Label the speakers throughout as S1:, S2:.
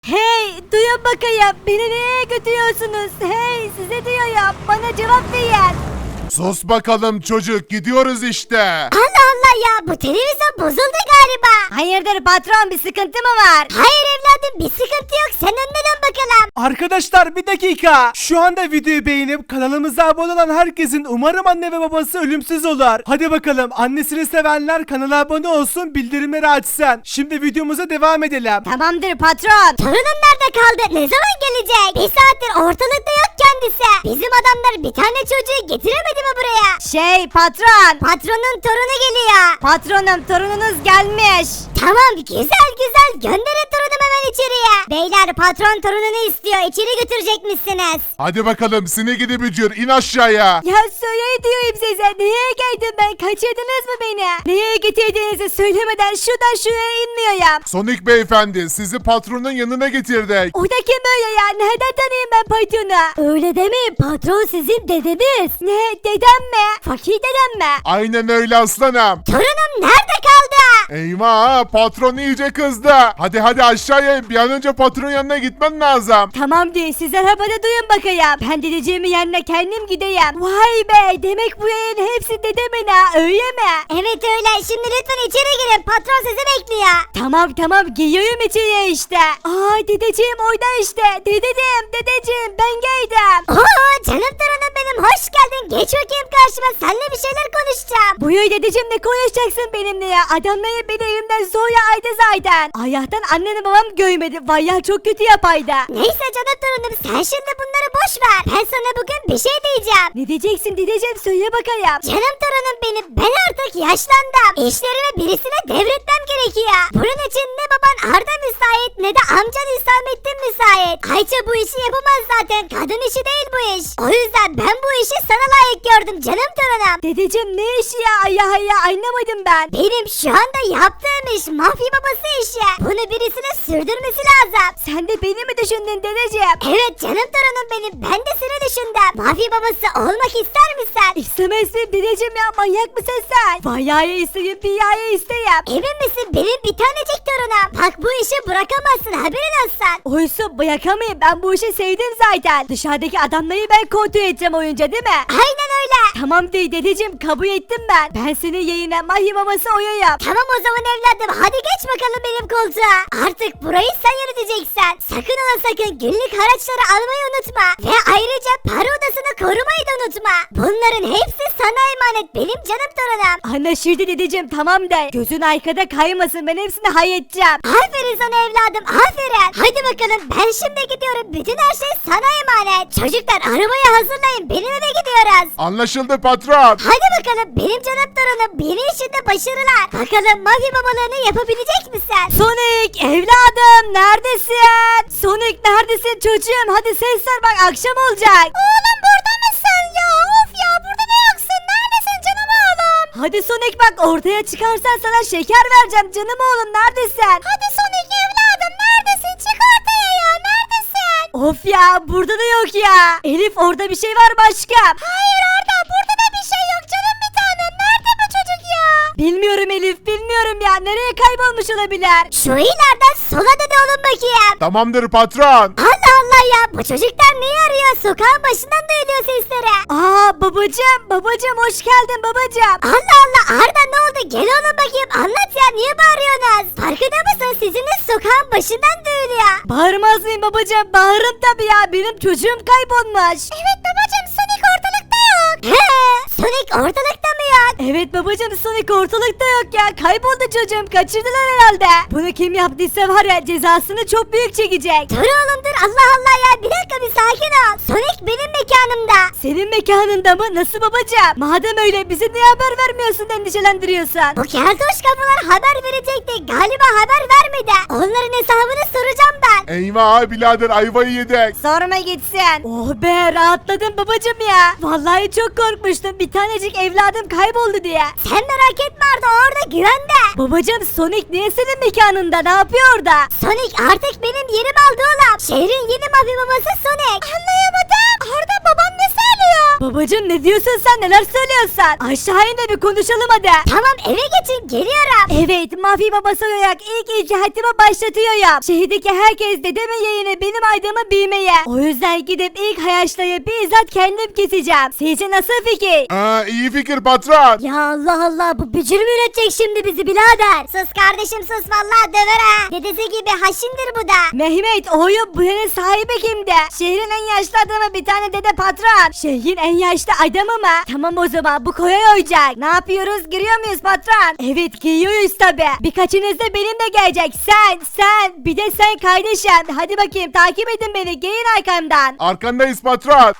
S1: Hey, duyun bakayım, beni nereye götürüyorsunuz? Hey, size diyorum, bana cevap verin.
S2: Sus bakalım çocuk, gidiyoruz işte.
S3: Allah Allah ya, bu televizyon bozuldu galiba.
S1: Hayırdır patron, bir sıkıntı mı var?
S3: Hayır evladım, bir sıkıntı yok, sen önüne dön bakalım.
S4: Arkadaşlar bir dakika. Şu anda videoyu beğenip kanalımıza abone olan herkesin umarım anne ve babası ölümsüz olur. Hadi bakalım, annesini sevenler kanala abone olsun, bildirimleri açsın. Şimdi videomuza devam edelim.
S1: Tamamdır patron.
S3: Torunum nerede kaldı? Ne zaman gelecek? Bir saattir ortalıkta yok kendisi. Bizim adamlar bir tane çocuğu getiremedi mi buraya?
S1: Şey patron.
S3: Patronun torunu geliyor.
S1: Patronum, torununuz gelmiş.
S3: Tamam, güzel güzel, gönderin torunum hemen içeriye. Beyler, patron torununu istiyor, içeri götürecekmişsiniz.
S2: Hadi bakalım seni gidi bücür, in aşağıya.
S1: Ya söyle diyorum size, neye geldim ben, kaçırdınız mı beni? Neye getirdiğinizi söylemeden şuradan şuraya inmiyorum.
S2: Sonic beyefendi, sizi patronun yanına getirdik.
S1: O da kim böyle ya, nereden tanıyayım ben patronu? Öyle demeyin, patron sizin dedeniz. Ne, dedem mi? Fakir dedem mi?
S2: Aynen öyle aslanım.
S3: Torunum nerede kaldı?
S2: Eyvah, patron iyice kızdı. Hadi aşağıya in, bir an önce patronun yanına gitmen lazım.
S1: Tamam değil, siz arabada duyun bakayım. Ben dedeciğimin yanına kendim gideyim. Vay be, demek bu yayın hepsi dedemin ha, öyle mi?
S3: Evet öyle, şimdi lütfen içeri girin, patron sizi bekliyor.
S1: Tamam geliyorum içeriye işte. Aa, dedeciğim orada işte. Dedeciğim ben geldim.
S3: Oo, canım torunum benim, hoş geldin, geç bakayım karşıma, seninle bir şeyler konuşacağım.
S1: Buyur dedeciğim, ne konuşacaksın benimle ya? Adamları beni evimden zorla aydı zaten. Allah'tan annem babam görmedi. Vay ya, çok kötü yapaydı.
S3: Neyse canım torunum, sen şimdi bunları boş ver. Ben sana bugün bir şey diyeceğim.
S1: Ne diyeceksin dedeciğim, söyle bakayım.
S3: Canım torunum benim, ben artık yaşlandım. İşlerimi birisine devretmem gerekiyor. Bunun için ne baban Arda müsait ne de amcan Hüsamettin müsait. Ayça bu işi yapamaz zaten, kadın işi değil bu iş. O yüzden ben bu işi sana layık gördüm canım torunum.
S1: Dedeciğim ne işi ya? Allah anlamadım ben.
S3: Benim şu anda yaptığım iş mafya babası işi. Bunu birisine sürdürmesi lazım.
S1: Sen de beni mi düşündün dedeciğim?
S3: Evet canım torunum benim, ben de seni düşündüm. Mafya babası olmak ister misin?
S1: İstemezsin dedeciğim ya, manyak mısın sen? Bayağı isteyeyim, dünyaya isteyeyim.
S3: Emin misin, benim bir tanecik torunum. Bak bu işi bırakamazsın, haberin olsun.
S1: Oysa bırakamayayım, ben bu işi sevdim zaten. Dışarıdaki adamları ben kontrol edeceğim oyunca, değil mi?
S3: Aynen öyle.
S1: Tamam değil dedeciğim, kabul ettim ben. Ben senin yayına mahimaması oyuyum.
S3: Tamam o zaman evladım, hadi geç bakalım benim koltuğa. Artık burayı sen yöneteceksin. Sakın ola sakın günlük haraçları almayı unutma. Ve ayrıca para odasını korumayı da unutma. Bunların hepsi sana emanet benim canım torunum.
S1: Anlaşıldı dedeciğim, tamam de. Gözün arkada kaymasın, ben hepsini halledeceğim.
S3: Aferin sana evladım, aferin. Hadi bakalım, ben şimdi gidiyorum. Bütün her şey sana emanet. Çocuklar, arabayı hazırlayın, benim eve gidiyoruz.
S2: Anlaşıldı patron.
S3: Hadi bakalım benim canım torunum, yeni işinde başarılar. Bakalım mafya babalığını yapabilecek misin?
S1: Sonic evladım, neredesin? Sonic neredesin çocuğum? Hadi ses ver bak, akşam olacak.
S3: Oğlum burada mısın ya? Of ya, burada da yoksun. Neredesin canım oğlum?
S1: Hadi Sonic bak, ortaya çıkarsan sana şeker vereceğim canım oğlum, neredesin?
S3: Hadi Sonic evladım, neredesin? Çık ortaya ya, neredesin?
S1: Of ya, burada da yok ya. Elif, orada bir şey var başka.
S3: Hayır Arda, burada da bir şey yok canım bir tanem. Nerede bu çocuk ya?
S1: Bilmiyorum Elif, bilmiyorum ya, nereye kaybolmuş olabilir?
S3: Şu ileriden sola dön oğlum bakayım.
S2: Tamamdır patron.
S3: Allah Allah ya, bu çocuklar neyi arıyor? Sokağın başından duyuluyor sesleri.
S1: Aa babacım hoş geldin babacım.
S3: Allah Allah Arda, ne oldu? Gel oğlum bakayım, anlat ya, niye bağırıyorsunuz? Farkında mısın? Sesiniz sokağın başından duyuluyor.
S1: Bağırmaz mıyım babacım? Bağırırım tabii ya, benim çocuğum kaybolmuş.
S3: Evet babacım, Sonic ortalıkta yok. He, Sonic ortalıkta mı yok?
S1: Evet babacım, Sonic ortalıkta yok ya, kayboldu çocuğum, kaçırdılar herhalde. Bunu kim yaptıysa var ya, cezasını çok büyük çekecek.
S3: Dur oğlum dur, Allah Allah ya, bir dakika, bir sakin ol. Sonic benim mekanımda.
S1: Senin mekanında mı? Nasıl babacım? Madem öyle, bize niye haber vermiyorsun da endişelendiriyorsun?
S3: Bu keltoş kapılar haber verecekti, galiba haber vermedi. Onların hesabını soracağım ben.
S2: Eyvah birader, ayvayı yedik.
S1: Sorma gitsin. Oh be, rahatladım babacım ya. Vallahi çok korkmuştum, bir tanecik evladım kayboldu diye.
S3: Sen merak etme Arda, orada güvende.
S1: Babacım, Sonic niye senin mekanında, ne yapıyor orada?
S3: Sonic artık benim yerim aldı oğlum. Şehrin yeni mafya babası Sonic. Anlayamadım. Arda, babam ne söylüyor?
S1: Babacım ne diyorsun sen, neler söylüyorsun? Aşağı in de bir konuşalım hadi.
S3: Tamam eve geçin geliyorum.
S1: Evet, mafya babası olarak ilk icraatımı başlatıyorum. Şehirdeki herkes dedemin yayını benim aydığımı bilmeye. O yüzden gidip ilk hayaçlayı bizzat kendim keseceğim. Sizce nasıl fikir?
S2: İyi fikir patron.
S3: Ya Allah Allah bu bücür mü üretecek şimdi bizi birader? Sus kardeşim sus vallahi döver ha. Dedesi gibi haşindir bu da.
S1: Mehmet, oğlum buranın sahibi kimdi? Şehrin en yaşlı adamı bir tane dede patron. Şehrin en yaşlı adamı mı? Tamam o zaman bu kolay olacak. Ne yapıyoruz, giriyor muyuz patron? Evet giriyoruz tabi. Birkaçınız da benimle gelecek. Sen bir de sen kardeşim. Hadi bakayım takip edin beni, gelin arkamdan.
S2: Arkandayız patron.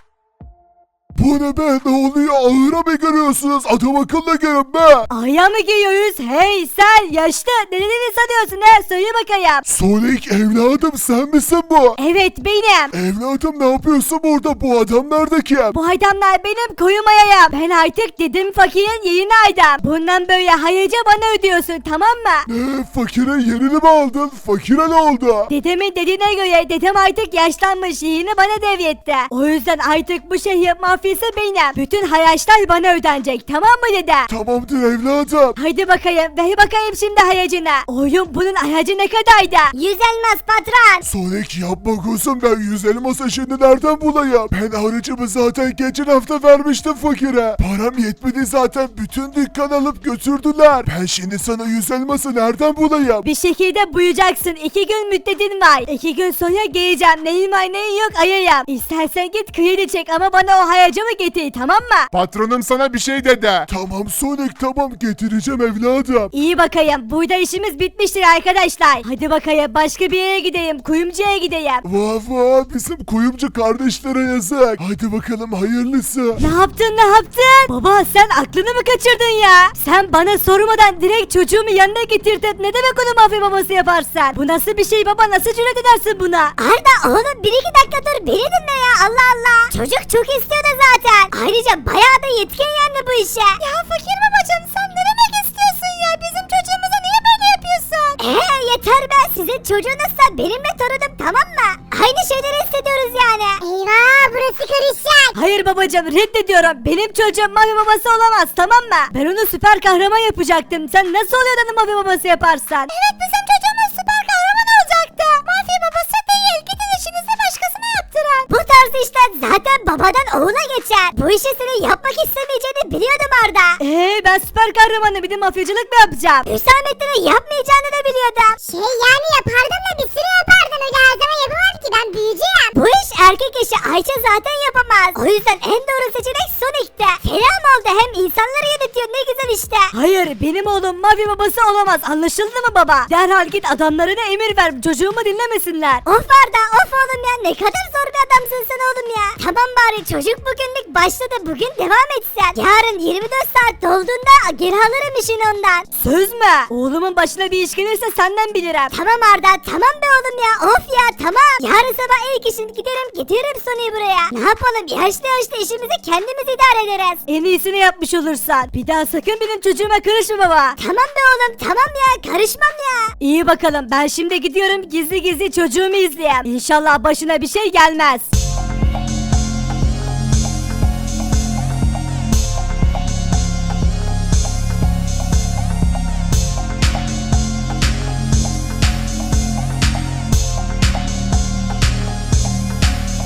S2: Bu ne be, ne oluyor, ağıra mı görüyorsunuz, adam akıllı görün be.
S1: Aya mı giriyoruz? Hey sen yaşlı, ne sanıyorsun he? Söyle bakayım.
S2: Sonic evladım, sen misin bu?
S1: Evet benim.
S2: Evladım ne yapıyorsun burada, bu adam nerede ki?
S1: Bu adamlar benim koyumayayım. Ben artık dedim fakirin yerini aydım. Bundan böyle hayırca bana ödüyorsun, tamam mı?
S2: Ne, fakire yerini mi aldın, fakire ne oldu?
S1: Dedemin dediğine göre dedem artık yaşlanmış, yerini bana devretti. O yüzden artık bu şehir mafyası benim. Bütün hayaçlar bana ödenecek, tamam mı dede?
S2: Tamamdır evladım.
S1: Haydi bakayım, ver bakayım şimdi hayacına. Oğlum bunun hayacı ne kadardı?
S3: 100 elmas patron.
S2: Sonic yapma kuzum, ben 100 elması şimdi nereden bulayım? Ben harcımı zaten geçen hafta vermiştim fakire. Param yetmedi zaten, bütün dükkan alıp götürdüler. Ben şimdi sana 100 elması nereden bulayım?
S1: Bir şekilde buyacaksın. 2 gün müddetin var. 2 gün sonra geleceğim. Neyin var neyin yok ayayım. İstersen git kredi çek ama bana o hayacımı getir, tamam mı?
S2: Patronum sana bir şey dedi. Tamam Sonic, tamam getireceğim evladım.
S1: İyi bakayım. Burada işimiz bitmiştir arkadaşlar. Hadi bakayım başka bir yere gideyim. Kuyumcuya gideyim.
S2: Vah vah, bizim kuyumcu kardeşlere yazık. Hadi bakalım hayırlısı.
S1: Ne yaptın? Baba sen aklını mı kaçırdın ya? Sen bana sormadan direkt çocuğumu yanına getirdin. Ne demek onu mafya babası yaparsan? Bu nasıl bir şey baba? Nasıl cüret edersin buna?
S3: Arda oğlum 1-2 dakika dur beni dinle ya Allah Allah. Çocuk çok istiyordu zaten. Ayrıca bayağı da yetkin yendi bu işe. Ya fakir babacığım sen ne demek istiyorsun ya? Bizim çocuğumuza niye böyle yapıyorsun? Yeter be, sizin çocuğunuzsa benim de torunum, tamam mı? Aynı şeyleri hissediyoruz yani. Eyvah burası karışacak.
S1: Hayır babacığım, reddediyorum. Benim çocuğum mafya babası olamaz, tamam mı? Ben onu süper kahraman yapacaktım. Sen nasıl oluyor da mafya babası yaparsan?
S3: Evet bizim çocuğumuz süper kahraman olacaktı. Mafya babası değil, gidin işinizi başkasına yaptırın. Bu tarz işler zaten babadan oğula geçer. Bu işi senin yapmak istemeyeceğini biliyordum Arda.
S1: Ben süper kahramanım, bir de mafyacılık mı yapacağım?
S3: Hüsamettin'in yapmayacağını da biliyordum. Yani yapardım da bir sürü yapardım. Öyle her zaman yapamam ki, ben büyüyeceğim. Bu iş erkek işi, Ayça zaten yapamaz. O yüzden en doğru seçenek Sonic'te. Selam oldu, hem insanları yönetiyor, ne güzel işte.
S1: Hayır, benim oğlum mafya babası olamaz, anlaşıldı mı baba? Derhal git adamlarına emir ver, çocuğumu dinlemesinler.
S3: Of Arda of oğlum ya, ne kadar zor bir adamsın sen oğlum ya. Tamam bari çocuk bugünlük başladı, bugün devam etsen. Yarın 24 saat dolduğunda geri alırım işini ondan.
S1: Söz mü? Oğlumun başına bir iş gelirse senden bilirim.
S3: Tamam Arda tamam be oğlum ya, of ya tamam. Yarın sabah ilk işin giderim getiririm Sony'yi buraya. Ne yapalım, yaşlı işimizi kendimiz idare ederiz.
S1: En iyisini yapmış olursan. Bir daha sakın benim çocuğuma karışma baba.
S3: Tamam be oğlum tamam ya, karışmam ya.
S1: İyi bakalım, ben şimdi gidiyorum gizli gizli çocuğumu izleyeyim. İnşallah başına bir şey gelmez.